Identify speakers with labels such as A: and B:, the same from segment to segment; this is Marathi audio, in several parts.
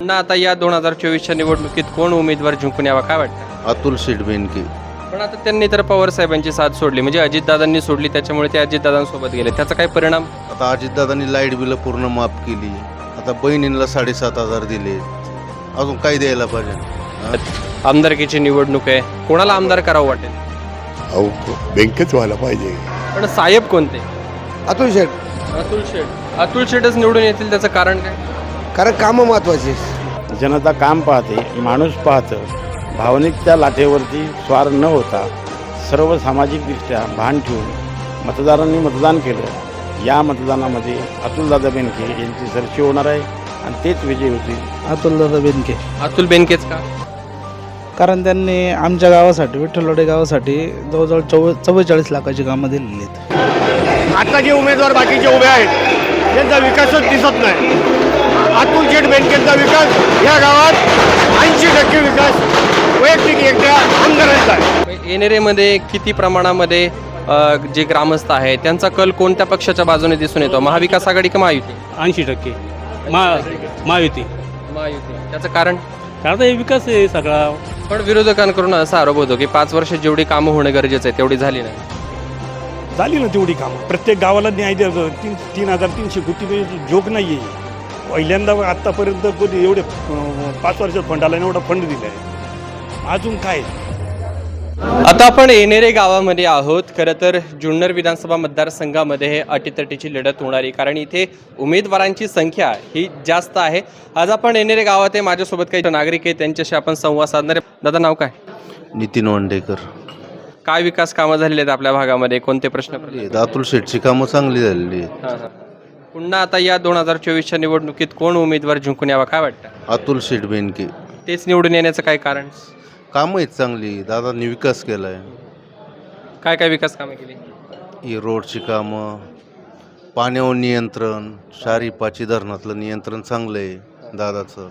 A: पुन्हा आता या 2024च्या निवडणुकीत कोण उमेदवार जिंकून यावा काय वाटतं?
B: अतुल शेठ बेनके.
A: पण आता त्यांनी तर पवार साहेबांची साथ सोडली, म्हणजे अजितदादांनी सोडली, त्याच्यामुळे ते अजितदादांसोबत गेले. त्याचा काय परिणाम?
B: आता अजितदादांनी लाईट बिल पूर्ण माफ केली. आता बहिणींना 7,500 दिले. अजून काय द्यायला पाहिजे?
A: आमदारकीची निवडणूक आहे, कोणाला आमदार करावं वाटेल?
C: अहो बँकेच व्हायला पाहिजे.
A: पण साहेब कोणते?
D: अतुल शेठ.
A: अतुल शेठ. अतुल शेठच निवडून येतील, त्याचं कारण काय?
D: कारण कामं महत्वाची.
E: जनता काम पाहते, माणूस पाहतं. भावनिकच्या लाटेवरती स्वार न होता सर्व सामाजिकदृष्ट्या भान ठेवून मतदारांनी मतदान केलं. या मतदानामध्ये अतुलदादा बेनके यांची सरशी होणार आहे आणि तेच विजयी होतील.
D: अतुलदादा बेनके.
A: अतुल बेनकेच का?
D: कारण त्यांनी आमच्या गावासाठी, विठ्ठलवाडी गावासाठी जवळजवळ 44 लाखाची कामं दिलेली आहेत.
F: आता जे उमेदवार बाकीचे उभे आहेत त्यांचा विकासच दिसत नाही. अतुल शेठ बेनकेंचा विकास या गावात 80% विकास वैयक्तिक एकट्या आमदारांचा आहे.
A: येणेरेमध्ये किती प्रमाणामध्ये जे ग्रामस्थ आहेत त्यांचा कल कोणत्या पक्षाच्या बाजूने दिसून येतो? महाविकास आघाडी का महायुती?
G: 80% महायुती.
A: महायुती. त्याचं कारण?
G: कारण हे विकास आहे सगळा.
A: पण विरोधकांकडून असा आरोप होतो की 5 वर्ष जेवढी कामं होणं गरजेचं आहे तेवढी झाली नाही.
H: झाली ना तेवढी कामं. प्रत्येक गावाला न्याय द्यायचं. 3,300 कोटी जोक नाही आहे. पहिल्यांदा आत्तापर्यंत कधी एवढे 5 वर्षात फंड आला एवढा फंड दिला आहे. अजून काय?
A: आता आपण येणेरे गावामध्ये आहोत. खरं तर जुन्नर विधानसभा मतदारसंघामध्ये हे अटीतटीची लढत होणारी, कारण इथे उमेदवारांची संख्या ही जास्त आहे. आज आपण येणेरे गावात आहे, माझ्यासोबत काही नागरिक आहेत, त्यांच्याशी आपण संवाद साधणार आहे. दादा नाव काय?
B: नितीन वांडेकर.
A: काय विकास कामं झालेली आहेत आपल्या भागामध्ये? कोणते प्रश्न पडले?
B: अतुल शेठची कामं चांगली झालेली आहेत.
A: पुन्हा आता या 2024च्या निवडणुकीत कोण उमेदवार जिंकून यावा काय वाटतं?
B: अतुल शेठ बेनके.
A: तेच निवडून येण्याचं काय कारण?
B: कामं आहेत चांगली. दादांनी विकास केला आहे.
A: काय काय विकास कामं केली?
B: ही रोडची कामं, पाण्यावर नियंत्रण, शारी पाची धरणातलं नियंत्रण चांगलं आहे दादाचं.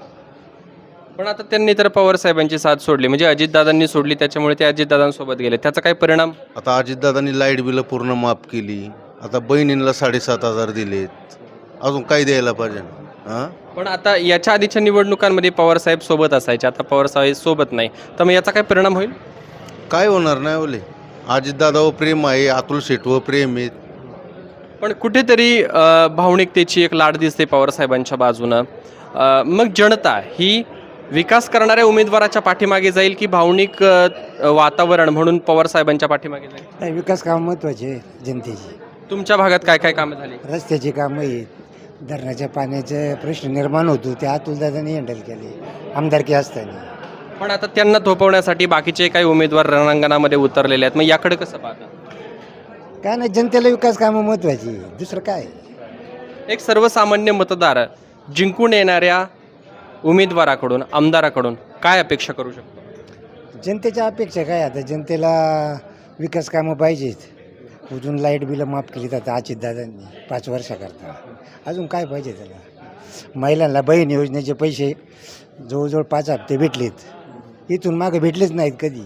A: पण आता त्यांनी तर पवार साहेबांची साथ सोडली, म्हणजे अजितदादांनी सोडली, त्याच्यामुळे ते अजितदादांसोबत गेले. त्याचा काय परिणाम?
B: आता अजितदादांनी लाईट बिल पूर्ण माफ केली. आता बहिणींना 7,500 दिलेत. अजून काय द्यायला पाहिजे? हां.
A: पण आता याच्या आधीच्या निवडणुकांमध्ये पवार साहेब सोबत असायचे, आता पवार साहेब सोबत नाही, तर मग याचा काय परिणाम होईल?
B: काय होणार नाही ओले. अजितदादावर प्रेम आहे, अतुल शेठवर प्रेम आहे.
A: पण कुठेतरी भावनिकतेची एक लाट दिसते पवार साहेबांच्या बाजूनं. मग जनता ही विकास करणाऱ्या उमेदवाराच्या पाठीमागे जाईल की भावनिक वातावरण म्हणून पवार साहेबांच्या पाठीमागे जाईल?
I: नाही, विकास कामं महत्त्वाचे आहे जनतेची.
A: तुमच्या भागात काय काय कामं झाली?
I: रस्त्याची कामं आहेत, धरणाच्या पाण्याचे प्रश्न निर्माण होतो ते अतुलदादांनी हँडल केले आमदारकी असताना.
A: पण आता त्यांना थोपवण्यासाठी बाकीचे काही उमेदवार रणांगणामध्ये उतरलेले आहेत, मग याकडे कसं पाहता?
I: काय नाही, जनतेला विकास कामं महत्त्वाची, दुसरं काय.
A: एक सर्वसामान्य मतदार जिंकून येणाऱ्या उमेदवाराकडून, आमदाराकडून काय अपेक्षा करू शकतो?
I: जनतेच्या अपेक्षा काय? आता जनतेला विकास कामं पाहिजेत. अजून लाईट बिलं माफ केली जातात अजितदादांनी 5 वर्षाकरता. अजून काय पाहिजे त्याला? महिलांना बहीण योजनेचे पैसे जवळजवळ 5 हप्ते भेटलेत, इथून मागे भेटलेच नाहीत कधी.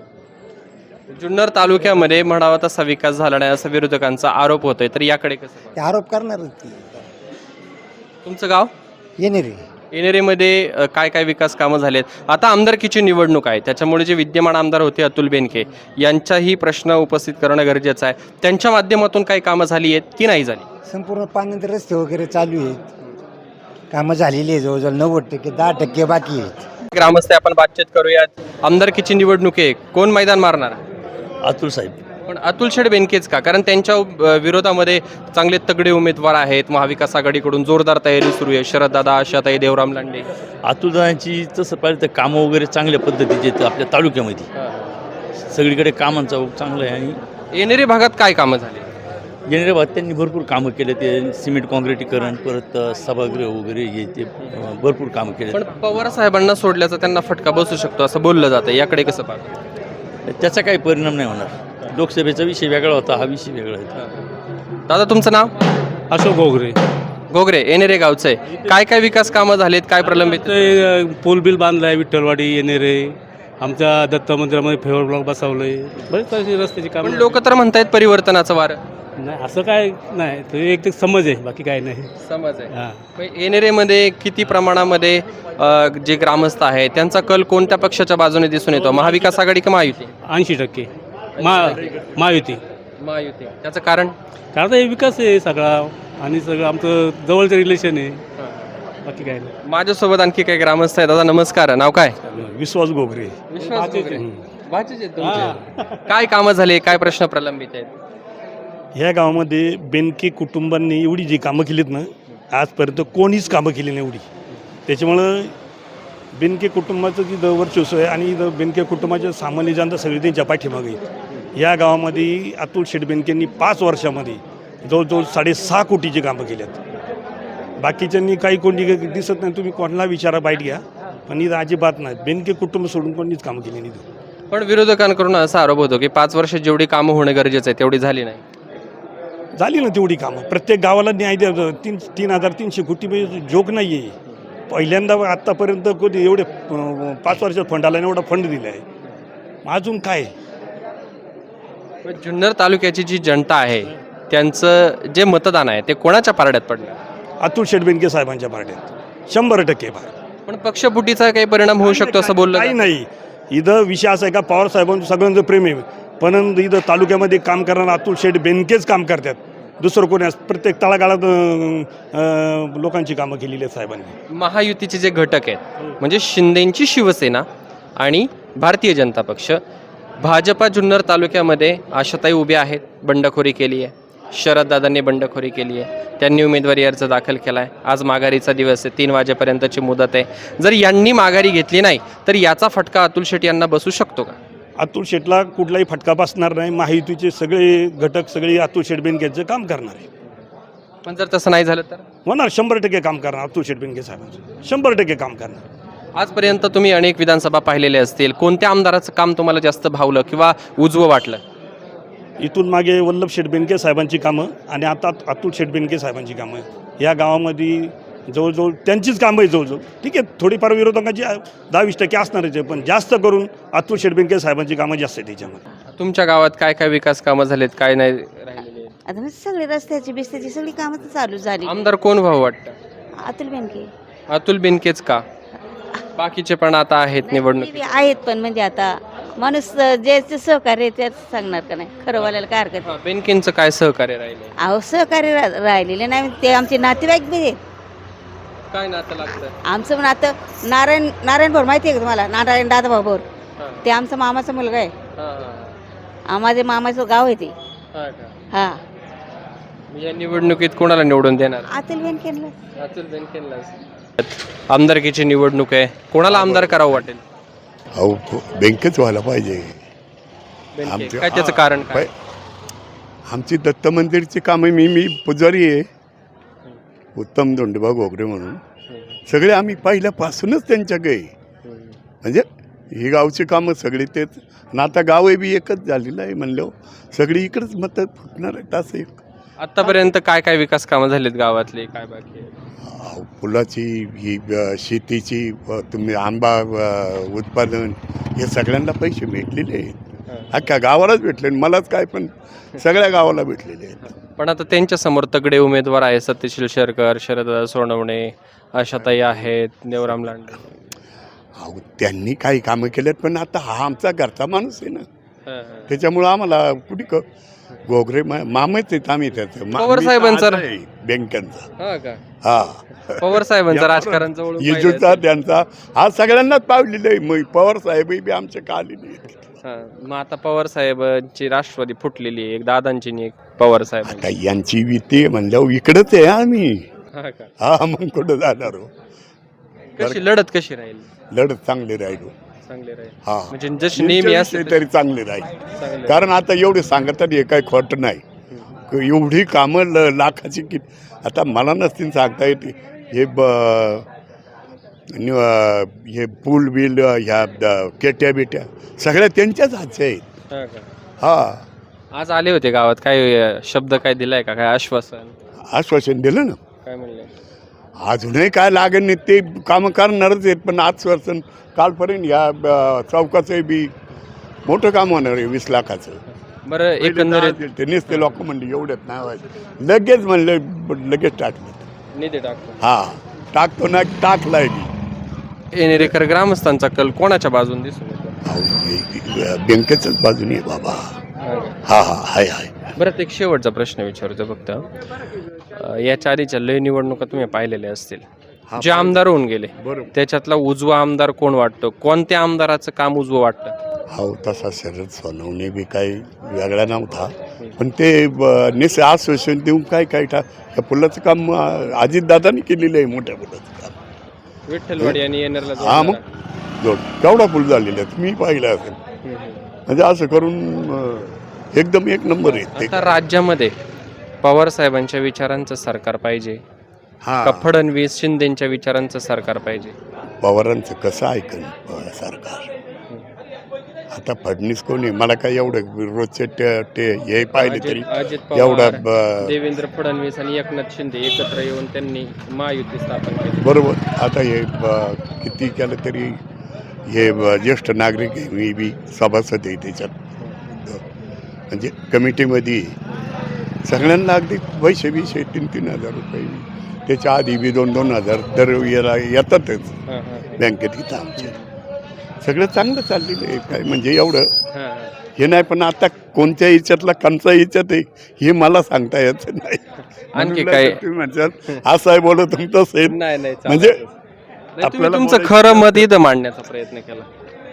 A: जुन्नर तालुक्यामध्ये म्हणावा तसा विकास झाला नाही असा विरोधकांचा आरोप होतोय, तर याकडे कसं?
I: ते आरोप करणारच ती.
A: तुमचं गाव
I: येणेरे.
A: येणेरेमध्ये काय काय विकास कामं झालेत? आता आमदारकीची निवडणूक आहे, त्याच्यामुळे जे विद्यमान आमदार होते अतुल बेनके यांचाही प्रश्न उपस्थित करणं गरजेचं आहे. त्यांच्या माध्यमातून काही कामं झाली आहेत की नाही झाली?
I: संपूर्ण पाण्याचे रस्ते वगैरे चालू आहेत, कामं झालेली आहे जवळजवळ 90%, 10% बाकी आहेत.
A: ग्रामस्थ आपण बातचीत करूयात. आमदारकीची निवडणूक आहे, कोण मैदान मारणार?
G: अतुल साहेब.
A: पण अतुल शेठ बेनकेच का? कारण त्यांच्या विरोधामध्ये चांगले तगडे उमेदवार आहेत. महाविकास आघाडीकडून जोरदार तयारी सुरू आहे. शरददादा, आशाताई, देवराम लांडे.
G: अतुलदादांची तसं पाहिलं तर कामं वगैरे चांगल्या पद्धतीचे आहेत आपल्या तालुक्यामध्ये. सगळीकडे कामांचा ओघ चांगला आहे. आणि
A: येणेरे भागात काय कामं झाली?
G: येणाऱ्या भागात त्यांनी भरपूर कामं केले. ते सिमेंट काँक्रिटीकरण, परत सभागृह वगैरे हे ते भरपूर कामं केले.
A: पण पवार साहेबांना सोडल्याचा त्यांना फटका बसू शकतो असं बोललं जातं, याकडे कसं पाहतं?
G: त्याचा काही परिणाम नाही होणार. लोकसभेचा विषय वेगळा होता, हा विषय वेगळा आहे.
A: दादा तुमचं नाव?
H: अशोक गोगरे.
A: गोगरे, येणेरे गावचं आहे. काय काय विकास कामं झालेत, काय प्रलंबित?
H: पूल बिल बांधला आहे, विठ्ठलवाडी येणेरे. आमच्या दत्त मंदिरामध्ये फेवर ब्लॉक बसवलं आहे. बरेच अशी रस्त्याची
A: पण
H: कामं.
A: लोक तर म्हणतायत परिवर्तनाचं वारं.
H: नाही असं काय नाही तो एक ते समज आहे बाकी काय नाही
A: समज आहे.
H: हां
A: मग एनेरेमध्ये किती प्रमाणामध्ये जे ग्रामस्थ आहेत त्यांचा कल कोणत्या पक्षाच्या बाजूने दिसून येतो, महाविकास आघाडी का महायुती?
H: 80% महायुती.
A: महायुती. त्याचं कारण?
H: कारण हे विकास आहे सगळा आणि सगळं आमचं जवळचं रिलेशन आहे बाकी काय नाही.
A: माझ्यासोबत आणखी काही ग्रामस्थ आहेत. दादा नमस्कार, नाव काय?
H: विश्वास गोगरे.
A: काय कामं झाले, काय प्रश्न प्रलंबित आहेत?
H: ह्या गावामध्ये बेनके कुटुंबांनी एवढी जी कामं केलीत ना आजपर्यंत कोणीच कामं केली नाही एवढी. त्याच्यामुळं बेनके कुटुंबाचं तिथं वर्चस्व आहे आणि इथं बेनके कुटुंबाच्या सामान्य जनता सगळी त्यांच्या पाठीमागे आहेत. या गावामध्ये अतुल शेठ बेनकेंनी 5 वर्षामध्ये जवळजवळ 6.5 कोटीची कामं केली आहेत. बाकीच्यांनी काही कोणी दिसत नाही, तुम्ही कोणाला विचारा बाईट घ्या, पण इथं अजिबात नाही. बेनके कुटुंब सोडून कोणीच कामं केली नाही.
A: पण विरोधकांकडून असा आरोप होतो की 5 वर्षात जेवढी कामं होणं गरजेचं आहे तेवढी झाली नाही.
H: झाली ना तेवढी कामं. प्रत्येक गावाला न्याय द्या. 3,300 कोटी म्हणजे जोक नाही आहे. पहिल्यांदा आत्तापर्यंत कोणी एवढे 5 वर्षात फंड आला आणि एवढा फंड दिला आहे. अजून काय?
A: पण जुन्नर तालुक्याची जी जनता आहे त्यांचं जे मतदान आहे ते कोणाच्या पारड्यात पडलं?
H: अतुल शेठ बेनके साहेबांच्या पार्ट्यात 100%
A: पण पक्षफुटीचा काही परिणाम होऊ शकतो असं बोललं
H: काही
A: जातं.
H: नाही. इथं विषय असा आहे का पवार साहेबांचं सगळ्यांचं प्रेम आहे, पण इथं तालुक्यामध्ये काम करणारा अतुल शेठ बेनकेच काम करतात. दुसरं कोणी प्रत्येक तळागाळात लोकांची कामं केलेली आहेत साहेबांनी.
A: महायुतीचे जे घटक आहेत म्हणजे शिंदेंची शिवसेना आणि भारतीय जनता पक्ष, भाजपा जुन्नर तालुक्यामध्ये आशाताई उभ्या आहेत, बंडखोरी केली आहे. शरददादांनी बंडखोरी केली आहे, त्यांनी उमेदवारी अर्ज दाखल केला आहे. आज माघारीचा दिवस आहे, 3 वाजेपर्यंतची मुदत आहे. जर यांनी माघारी घेतली नाही तर याचा फटका अतुल शेठ यांना बसू शकतो का?
H: अतुल शेठला कुठलाही फटका बसणार नाही. महायुतीचे सगळे घटक सगळे अतुल शेठ बेनकेचं काम करणार आहे.
A: पण जर तसं नाही झालं तर
H: होणार 100% काम करणार. अतुल शेठ बेनके साहेबांचं 100% काम करणार.
A: आजपर्यंत तुम्ही अनेक विधानसभा पाहिलेले असतील, कोणत्या आमदाराचं काम तुम्हाला जास्त भावलं किंवा उजवं वाटलं?
H: इथून मागे वल्लभ शेठ बेनके साहेबांची कामं आणि आता अतुल शेठ बेनके साहेबांची कामं या गावामध्ये जवळजवळ त्यांचीच कामं आहे जवळजवळ. ठीक आहे, थोडीफार विरोधकांची 10-20% असणारच आहे, पण जास्त करून अतुल शेठ बेनके साहेबांची कामं जास्त आहे त्याच्यामध्ये.
A: तुमच्या गावात काय काय विकास कामं झालेत, काय नाही राहिलेले?
J: आता म्हणजे सगळे रस्त्याची बिस्त्याची सगळी कामं तर चालू झाली.
A: आमदार कोण व्हावं वाटतं?
J: अतुल बेनके.
A: अतुल बेनकेच का? बाकीचे पण आता आहेत निवडणूक.
J: आहेत पण म्हणजे आता माणूस जे सहकार्य त्याच सांगणार का नाही, खरं बोलायला काय हरकत नाही.
A: बेनकेंचं काय सहकार्य राहिले?
J: अहो सहकार्य राहिलेले नाही, ते आमचे नातेवाईक बी आहेत.
A: काय नातं लागतं?
J: आमचं पण आता नारायण भोर माहिती आहे का तुम्हाला? नारायण दादा भोर, ते आमचा मामाचा मुलगा आहे. माझे मामाचं गाव आहे ते. हा,
A: या निवडणुकीत कोणाला निवडून देणार?
J: अतुल बेनकेला.
A: अतुल बेनकेला. आमदारकीची निवडणूक आहे, कोणाला आमदार करावं वाटेल?
C: अहो बँकेच व्हायला पाहिजे.
A: बेनके. काय त्याचं कारण काय?
C: आमची दत्त मंदिरची कामं मी पुजारी आहे, उत्तम धोंडोबा घोगरे म्हणून. सगळे आम्ही पहिल्यापासूनच त्यांच्याकडे, म्हणजे ही गावची कामं सगळी तेच. आणि आता गावही बी एकच झालेलं आहे म्हणलं, सगळी इकडंच मतं फुटणार आहेत असं एक.
A: आतापर्यंत काय काय विकास कामं झालीत गावातले, काय बाकी आहे?
C: फुलाची ही शेतीची तुम्ही आंबा उत्पादन हे सगळ्यांना पैसे भेटलेले आहेत. अख्ख्या गावालाच भेटले, मलाच काय पण सगळ्या गावाला भेटलेले आहेत.
A: पण आता त्यांच्या समोर तगडे उमेदवार आहेत, सत्यशील शेरकर, शरददादा सोनवणे, आशाताई आहेत, नेवराम लांडे.
C: अहो त्यांनी काही कामं केलेत, पण आता हा आमचा घरचा माणूस आहे ना, त्याच्यामुळं आम्हाला कुठे घोगरे मामाच आहेत आम्ही त्याचं.
A: पवार साहेबांचं
C: बँकांचा हा
A: पवार साहेबांचं राजकारण जवळ
C: येजूचा त्यांचा हा सगळ्यांनाच पावलेलं आहे. मग पवार साहेबही बी आमच्या का आलेले आहेत.
A: मग आता पवार साहेबांची राष्ट्रवादी फुटलेली आहे, एक दादांची आणि एक पवार साहेब.
C: आता यांची विती म्हणल्यावर इकडंच आहे आम्ही. हा मग कुठं जाणार हो?
A: कशी लढत कशी राहील?
C: लढत चांगली राहिलो.
A: चांगले राहील
C: हा
A: म्हणजे जशी नेहमी असते
C: तरी चांगली राहील. कारण आता एवढे सांगतात हे काही खोटं नाही. एवढी कामं लाखाची की आता मला नसतील सांगता येते. हे पूल बिल ह्या केट्या बिट्या सगळ्या त्यांच्याच हातच्या आहेत. हा
A: आज आले होते गावात, काय शब्द काय दिलाय का, काय आश्वासन?
C: आश्वासन दिलं ना.
A: काय म्हणले?
C: अजूनही काय लागेल नाही ते कामं करणारच आहेत, पण आश्वासन कालपर्यंत या चौकाचं बी मोठं काम होणार आहे 20 लाखाचं.
A: बरं एकंदरीत
C: ते नुसते लोक म्हणले एवढ्यात नाही व्हायचं, लगेच म्हणलं लगेच टाकलं.
A: निधी टाकतो.
C: हा टाकतो ना, टाकलाय मी.
A: येणेरेकर ग्रामस्थांचा कल कोणाच्या बाजून दिसून येतो?
C: बँकेच्याच बाजूने आहे बाबा. हा हा हाय हाय.
A: बरं एक शेवटचा प्रश्न विचारतो फक्त. याच्या आधीच्या लय निवडणुका तुम्ही पाहिलेल्या असतील, जे आमदार होऊन गेले
C: बरोबर.
A: त्याच्यातला उजवा आमदार कोण वाटतो? कोणत्या आमदाराचं काम उजवं वाटतं?
C: हो तसा शरद सोनवणे बी काही वेगळा नव्हता, पण ते निसे आश्वासन देऊन काय काय त्या पुलाचं काम अजितदादांनी केलेलं आहे, मोठ्या पुलाचं काम.
A: विठ्ठलवाडी आणि येणारला
C: हा मग केवढा पूल झालेला आहे, तुम्ही पाहिला असेल. म्हणजे असं करून एकदम एक नंबर आहे ते.
A: आता राज्यामध्ये पवार साहेबांच्या विचारांचं सरकार पाहिजे
C: हा
A: का फडणवीस शिंदेच्या विचारांचं सरकार पाहिजे?
C: पवारांचं कसं ऐकन सरकार. आता फडणीस कोणी मला काय एवढं रोजचे हे पाहिले तरी
A: अजित
C: एवढा
A: पवार, देवेंद्र फडणवीस आणि एकनाथ शिंदे एकत्र येऊन त्यांनी महायुती स्थापन केली.
C: बरोबर. आता हे किती केलं तरी हे ज्येष्ठ नागरिक आहे, मी बी सभासद आहे त्याच्यात, म्हणजे कमिटीमध्ये सगळ्यांना अगदी पैसे 3,000 रुपये, त्याच्या आधी बी 2,000 दर येतातच बँकेत इथं आमच्या. सगळं चांगलं चाललेलं आहे, काय म्हणजे एवढं हे नाही. पण आता कोणत्या याच्यातला कंचा याच्यात आहे हे मला सांगता येत नाही.
A: आणखी काय
C: तुम्ही म्हणतात असं आहे बोलत तसं आहे.
A: नाही
C: म्हणजे
A: तुम्ही
C: आपल्याला
A: तुमचं
C: बोलायचं-
A: खरं मत इथं मांडण्याचा प्रयत्न केला.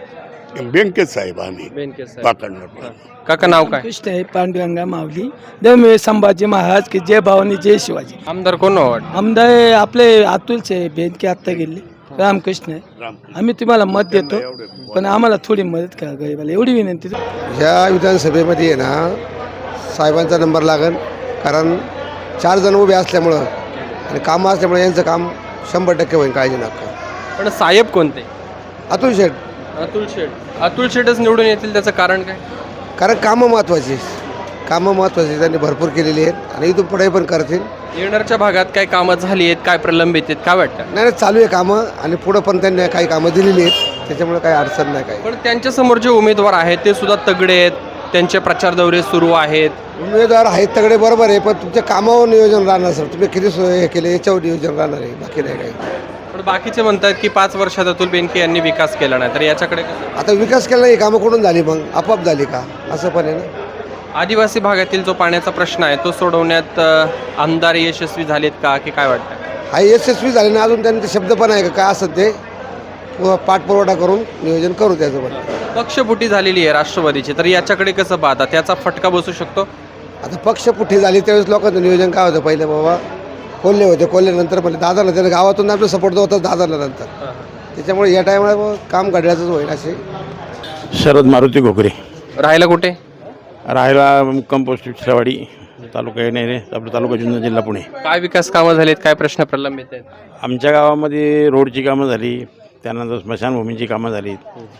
C: बँकेत साहेब आम्ही
A: बेनके साहेब.
C: पाकडणार.
A: काका नाव काय?
K: कृष्ण आहे पांडुरंगा माऊली देव संभाजी महाराज की जय भवानी जय शिवाजी.
A: आमदार कोण वाट?
K: आमदार आपले अतुलचे बेनके आत्ता गेले, रामकृष्ण आहे. आम्ही तुम्हाला मत देतो, पण आम्हाला थोडी मदत करा गरीबाला, एवढी विनंती.
I: ह्या विधानसभेमध्ये आहे ना साहेबांचा नंबर लागेल, कारण 4 जण उभे असल्यामुळं आणि कामं असल्यामुळे यांचं काम 100% होईल, काळजी नका.
A: पण साहेब कोणते?
I: अतुल शेठ.
A: अतुल शेठ. अतुल शेठच निवडून येतील, त्याचं कारण काय?
I: कारण कामं महत्त्वाची त्यांनी भरपूर केलेली आहेत आणि इथून पुढे पण करतील.
A: येणारच्या भागात काय कामं झाली आहेत, काय प्रलंबित आहेत, काय वाटतं?
I: नाही चालू आहे कामं आणि पुढं पण त्यांनी काही कामं दिलेली आहेत, त्याच्यामुळे काही अडचण नाही. काही
A: पण त्यांच्या समोर जे उमेदवार आहेत ते सुद्धा तगडे आहेत, त्यांचे प्रचार दौरे सुरू आहेत.
I: उमेदवार आहेत तगडे बरोबर आहे, पण तुमच्या कामावर नियोजन राहणार सर. तुम्ही किती हे केले याच्यावर नियोजन राहणार आहे, बाकी नाही काही.
A: पण बाकीचे म्हणतात की 5 वर्षात अतुल बेनके यांनी विकास केला नाही, तर याच्याकडे कसं?
I: आता विकास केला नाही, कामं कुठून झाली मग? आपोआप झाली का? असं पण आहे ना.
A: आदिवासी भागातील जो पाण्याचा प्रश्न आहे तो सोडवण्यात आमदार यशस्वी झालेत का, की काय वाटतं?
I: हा यशस्वी झाले ना, अजून त्यांचे शब्द पण आहे का काय असत ते पाठपुरवठा करून नियोजन करू त्याचं. पण
A: पक्षफुटी झालेली आहे राष्ट्रवादीची, तर याच्याकडे कसं पाहता? त्याचा फटका बसू शकतो?
I: आता पक्षपुठी झाली त्यावेळेस लोकांचं नियोजन काय होतं? पहिले बाबा कोल्हे होते, कोल्हेनंतर पहिले दादाला, त्याला गावातून आपलं सपोर्ट होतं दादाला नंतर, त्याच्यामुळे या टायमाला काम घडल्याचंच होईल. असे
E: शरद मारुती घोगरे.
A: राहायला कुठे?
E: राहायला कंपोस्ट शिरावाडी, तालुका येणे, आपला तालुका जुन्नर, जिल्हा पुणे.
A: काय विकास कामं झालीत, काय प्रश्न प्रलंबित आहेत?
E: आमच्या गावामध्ये रोडची कामं झाली, त्यानंतर स्मशानभूमीची कामं झाली,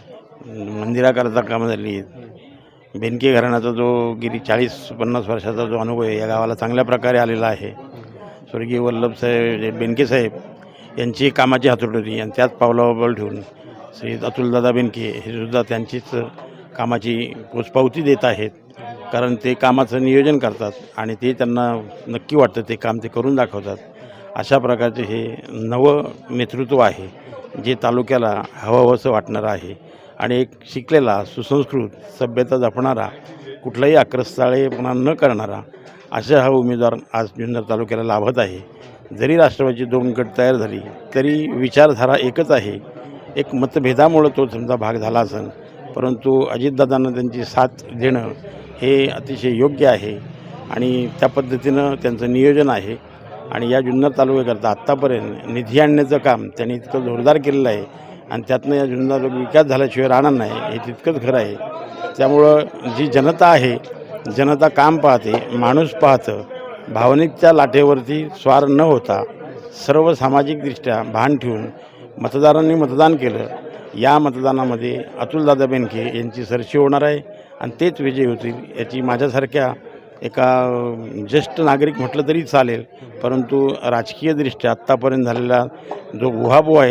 E: मंदिराकरता कामं झाली. बेनके घराण्याचा जो गेली 40-50 वर्षाचा जो अनुभव आहे या गावाला चांगल्या प्रकारे आलेला आहे. स्वर्गीय वल्लभसाहेब बेनके साहेब यांची कामाची हातोटी होती आणि त्याच पावलावर ठेवून श्री अतुलदादा बेनके हे सुद्धा त्यांचीच कामाची पोचपावती देत आहेत. कारण ते कामाचं नियोजन करतात आणि ते त्यांना नक्की वाटतं ते काम ते करून दाखवतात. अशा प्रकारचे हे नवं नेतृत्व आहे जे तालुक्याला हवंहवंसं वाटणारं आहे आणि एक शिकलेला, सुसंस्कृत, सभ्यता जपणारा, कुठलाही आक्रस्ताळेपणा न करणारा अशा हा उमेदवार आज जुन्नर तालुक्याला लाभत आहे. जरी राष्ट्रवादीची 2 गट तयार झाली तरी विचारधारा एकच आहे. एक मतभेदामुळं तो समजा भाग झाला असेल, परंतु अजितदादांना त्यांची साथ देणं हे अतिशय योग्य आहे आणि त्या पद्धतीनं त्यांचं नियोजन आहे. आणि या जुन्नर तालुक्याकरता आत्तापर्यंत निधी आणण्याचं काम त्यांनी इतकं जोरदार केलेलं आहे आणि त्यातनं या जुन्नर विकास झाल्याशिवाय राहणार नाही हे तितकंच खरं आहे. त्यामुळं जी जनता आहे, जनता काम पाहते, माणूस पाहतं. भावनिकच्या लाटेवरती स्वार न होता सर्व सामाजिकदृष्ट्या भान ठेवून मतदारांनी मतदान केलं. या मतदानामध्ये अतुलदादा बेनके यांची सरशी होणार आहे आणि तेच विजयी होतील याची माझ्यासारख्या एका ज्येष्ठ नागरिक म्हटलं तरी चालेल, परंतु राजकीयदृष्ट्या आत्तापर्यंत झालेला जो उहापोह आहे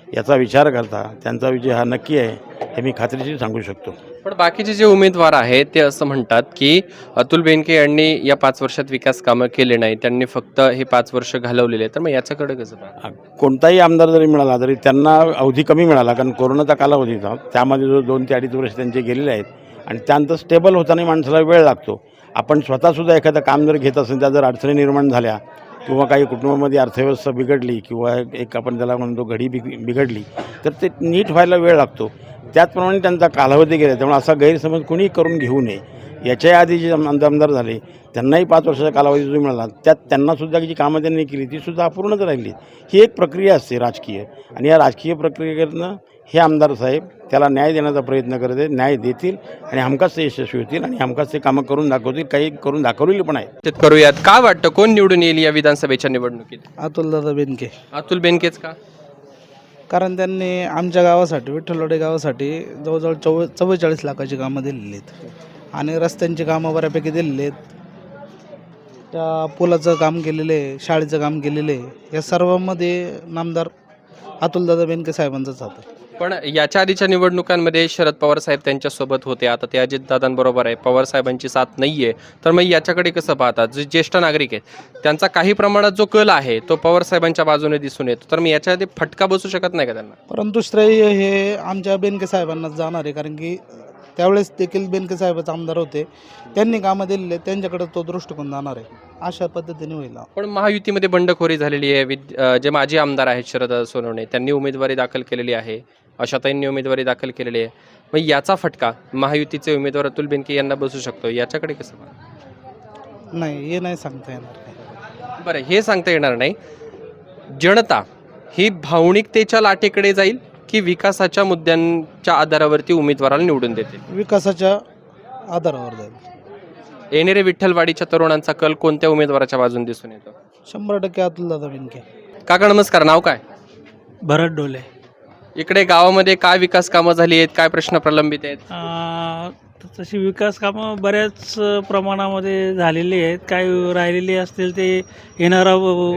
E: याचा विचार करता त्यांचा विजय हा नक्की आहे हे मी खात्रीशीर सांगू शकतो.
A: पण बाकीचे जे उमेदवार आहेत ते असं म्हणतात की अतुल बेनके यांनी या 5 वर्षात विकास कामं केले नाही, त्यांनी फक्त हे 5 वर्ष घालवलेले. तर मग याच्याकडे कसं पाहता?
E: कोणताही आमदार जरी मिळाला तरी त्यांना अवधी कमी मिळाला, कारण कोरोनाचा कालावधी होता. त्यामध्ये जो 2 ते 2.5 वर्ष त्यांचे गेलेले आहेत आणि त्यानंतर स्टेबल होताना माणसाला वेळ लागतो. आपण स्वतःसुद्धा एखादं काम जर घेत असेल, त्या जर अडचणी निर्माण झाल्या किंवा काही कुटुंबामध्ये अर्थव्यवस्था बिघडली किंवा एक आपण त्याला म्हणतो घडी बिघडली तर ते नीट व्हायला वेळ लागतो. त्याचप्रमाणे त्यांचा कालावधी गेला. त्यामुळे असा गैरसमज कोणी करून घेऊ नये. याच्या आधी जे आमदार झाले त्यांनाही 5 वर्षाचा कालावधी जो मिळाला त्यात त्यांनासुद्धा जी कामं त्यांनी केली तीसुद्धा अपूर्णच राहिली. ही एक प्रक्रिया असते राजकीय, आणि या राजकीय प्रक्रियेकडनं हे आमदार साहेब त्याला न्याय देण्याचा प्रयत्न करत आहेत. न्याय देतील आणि हमखास ते यशस्वी होतील आणि हमखास ते कामं करून दाखवतील. काही करून दाखवलेली पण आहेत.
A: ते करूयात. काय वाटतं कोण निवडून येईल या विधानसभेच्या निवडणुकीत?
D: अतुलदादा बेनके.
A: अतुल बेनकेच का?
D: कारण त्यांनी आमच्या गावासाठी, विठ्ठलवाडी गावासाठी जवळजवळ 44 लाखाची कामं दिलेली आहेत आणि रस्त्यांची कामं बऱ्यापैकी दिलेली आहेत. त्या पुलाचं काम केलेलं आहे, शाळेचं काम केलेलं आहे. या सर्वांमध्ये नामदार अतुलदादा बेनके साहेबांचाच हात.
A: पण याच्या आधीच्या निवडणुकांमध्ये शरद पवार साहेब त्यांच्यासोबत होते, आता ते अजितदादांबरोबर आहे, पवार साहेबांची साथ नाही आहे. तर मग याच्याकडे कसं पाहतात? जे ज्येष्ठ नागरिक आहेत त्यांचा काही प्रमाणात जो कल आहे तो पवार साहेबांच्या बाजूने दिसून येतो. तर मग याच्या आधी फटका बसू शकत नाही का त्यांना?
D: परंतु श्रेय हे आमच्या बेनके साहेबांनाच जाणार आहे, कारण की त्यावेळेस देखील बेनके साहेबच आमदार होते. त्यांनी कामं दिलेले, त्यांच्याकडे तो दृष्टिकोन जाणार आहे. अशा पद्धतीने होईल.
A: पण महायुतीमध्ये बंडखोरी झालेली आहे. जे माजी आमदार आहेत शरद सोनवणे त्यांनी उमेदवारी दाखल केलेली आहे, आशाताईंनी उमेदवारी दाखल केलेली आहे. मग याचा फटका महायुतीचे उमेदवार अतुल बेनके यांना बसू शकतो. याच्याकडे कसं पाहता?
D: नाही, हे नाही सांगता येणार.
A: बरं, हे सांगता येणार नाही. जनता ही भावनिकतेच्या लाटेकडे जाईल की विकासाच्या मुद्द्यांच्या आधारावरती उमेदवाराला निवडून देतील?
D: विकासाच्या आधारावर जाईल.
A: येणेरे विठ्ठलवाडीच्या तरुणांचा कल कोणत्या उमेदवाराच्या बाजून दिसून येतो?
D: 100% अतुलदादा बेनके.
A: काका नमस्कार, नाव काय?
K: भरत डोले.
A: इकडे गावामध्ये काय विकास कामं झाली आहेत, काय प्रश्न प्रलंबित आहेत?
K: तशी विकास कामं बऱ्याच प्रमाणामध्ये झालेली आहेत. काही राहिलेली असतील ते येणारा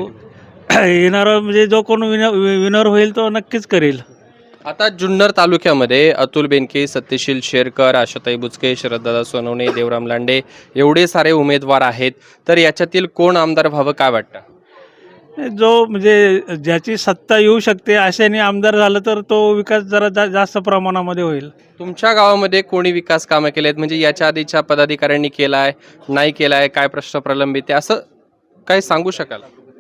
K: म्हणजे जो कोण विनर होईल तो नक्कीच करेल.
A: आता जुन्नर तालुक्यामध्ये अतुल बेनके, सत्यशील शेरकर, आशाताई बुचके, शरददादा सोनवणे, देवराम लांडे एवढे सारे उमेदवार आहेत. तर याच्यातील कोण आमदार व्हावं काय वाटतं?
K: जो म्हणजे ज्याची सत्ता येऊ शकते अशाने आमदार झालं तर तो विकास जरा जास्त प्रमाणामध्ये होईल.
A: तुमच्या गावामध्ये कोणी विकास कामं केले आहेत, म्हणजे याच्या आधीच्या पदाधिकाऱ्यांनी केलाय, नाही केलाय, काय प्रश्न प्रलंबित आहे, असं काय सांगू शकाल?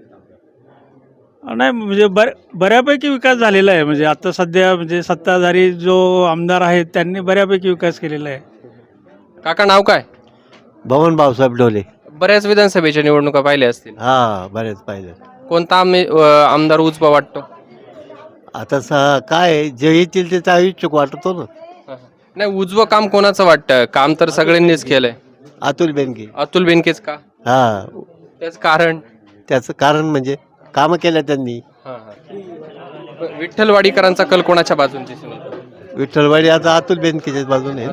K: नाही म्हणजे बऱ्यापैकी विकास झालेला आहे. म्हणजे आता सध्या म्हणजे सत्ताधारी जो आमदार आहेत त्यांनी बऱ्यापैकी विकास केलेला आहे.
A: काका नाव काय?
F: भवन भाऊसाहेब डोले.
A: बऱ्याच विधानसभेच्या निवडणुका पाहिल्या असतील.
F: हा, बरेच पाहिजे.
A: कोणता आमदार उजवा वाटतो?
F: आता काय जे येतील ते त्या इच्छुक वाटतो ना.
A: नाही, उजवं काम कोणाचं वाटतं? काम तर सगळ्यांनीच केलंय.
F: अतुल बेनके.
A: अतुल बेनकेच का?
F: हा, त्याचं कारण म्हणजे कामं केल्या त्यांनी.
A: विठ्ठलवाडीकरांचा कल कोणाच्या बाजून दिसून येतो?
F: विठ्ठलवाडी आता अतुल बेनकेच्याच बाजूने.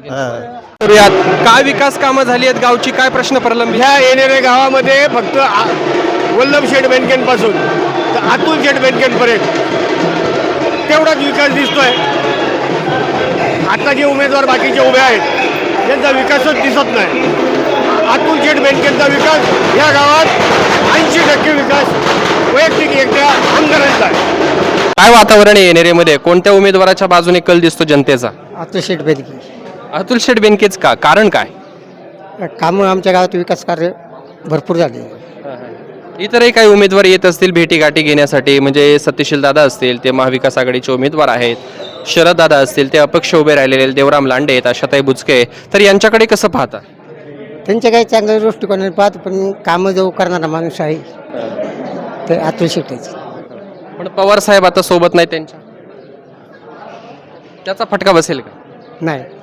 A: काय विकास कामं झाली आहेत गावची, काय प्रश्न प्रलंबित?
F: ह्या येणाऱ्या गावामध्ये फक्त वल्लभ शेठ बेनकेंपासून तर अतुल शेठ बेनकेंपर्यंत तेवढाच विकास दिसतोय. आता जे उमेदवार बाकीचे उभे आहेत त्यांचा विकासच दिसत नाही. अतुल शेठ बेनकेंचा विकास या गावात 80% विकास वैयक्तिक एकट्या आमदारांचा आहे.
A: काय वातावरण आहे येणेरेमध्ये? कोणत्या उमेदवाराच्या बाजूने कल दिसतो जनतेचा?
I: अतुल शेठ बेनके.
A: अतुल शेठ बेनकेच का? कारण काय?
I: कामं आमच्या गावात विकास कार्य भरपूर झाले.
A: इतरही काही उमेदवार येत असतील भेटीगाठी घेण्यासाठी, म्हणजे सत्यशील दादा असतील ते महाविकास आघाडीचे उमेदवार आहेत, शरद दादा असतील ते अपक्ष उभे राहिलेले, देवराम लांडे आहेत, आशाताई बुचके. तर यांच्याकडे कसं पाहता?
I: त्यांच्या काही चांगल्या दृष्टिकोनाने पाहत, पण कामं जो करणारा माणूस आहे ते अतुल शेठच.
A: पण पवार साहेब आता सोबत नाही त्यांच्या, त्याचा फटका बसेल का?
I: नाही.